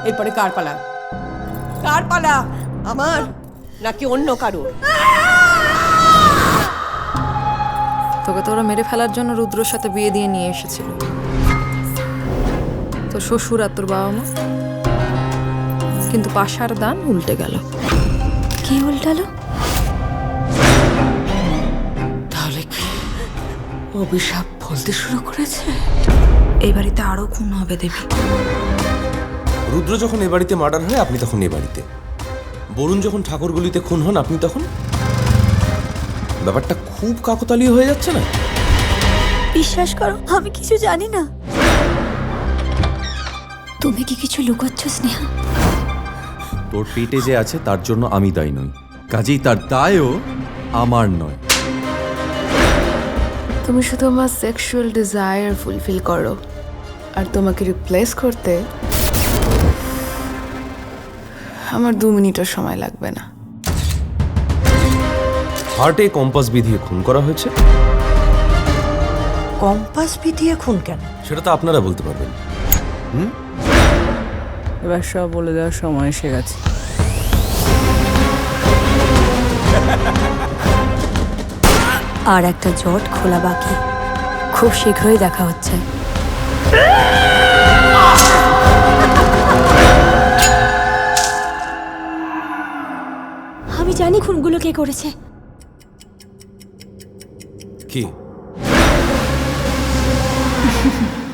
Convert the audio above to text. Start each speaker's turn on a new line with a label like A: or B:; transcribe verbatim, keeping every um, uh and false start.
A: এরপরে কার পালা? কার পালা? আমার নাকি অন্য কারো?
B: তোকে তো ওরা মেরে ফেলার জন্য রুদ্রর সাথে বিয়ে দিয়ে নিয়ে এসেছিল। তোর শ্বশুর আর তোর বাবা মা, কিন্তু পাশার দান উল্টে গেল।
C: কি উল্টালো?
A: তাহলে কি অভিশাপ বলতে শুরু করেছে?
B: এই বাড়িতে আরো খুন হবে দেবী।
D: রুদ্র যখন এ বাড়িতে মার্ডার হয় আপনি তখন এ বাড়িতে, বরুণ যখন ঠাকুরগুলিতে খুন হন আপনি তখন। ব্যাপারটা খুব কাকতালীয় হয়ে যাচ্ছে না?
C: বিশ্বাস করো, আমি কিছু জানি না। তুমি কি কিছু লুকোচ্ছ স্নেহা?
E: তোর পেটে যে আছে তার জন্য আমি দায়ী নই, কাজেই তার দায়ও আমার নয়।
B: তুমি শুধু আমার সেক্সুয়াল ডিজায়ার ফুলফিল করো, আর তোমাকে রিপ্লেস করতে আমার দু মিনিটও সময় লাগবে না।
D: হার্টে কম্পাস বিধিয়ে খুন করা হয়েছে।
A: কম্পাস পিটিয়ে খুন কেন?
D: সেটা তো আপনারা বলতে পারবেন।
F: এবার সব বলে দেওয়ার সময় এসে গেছে।
C: আর একটা জট খোলা বাকি, খুব শীঘ্রই দেখা হচ্ছে। আমি জানি খুনগুলো কে করেছে।
D: কি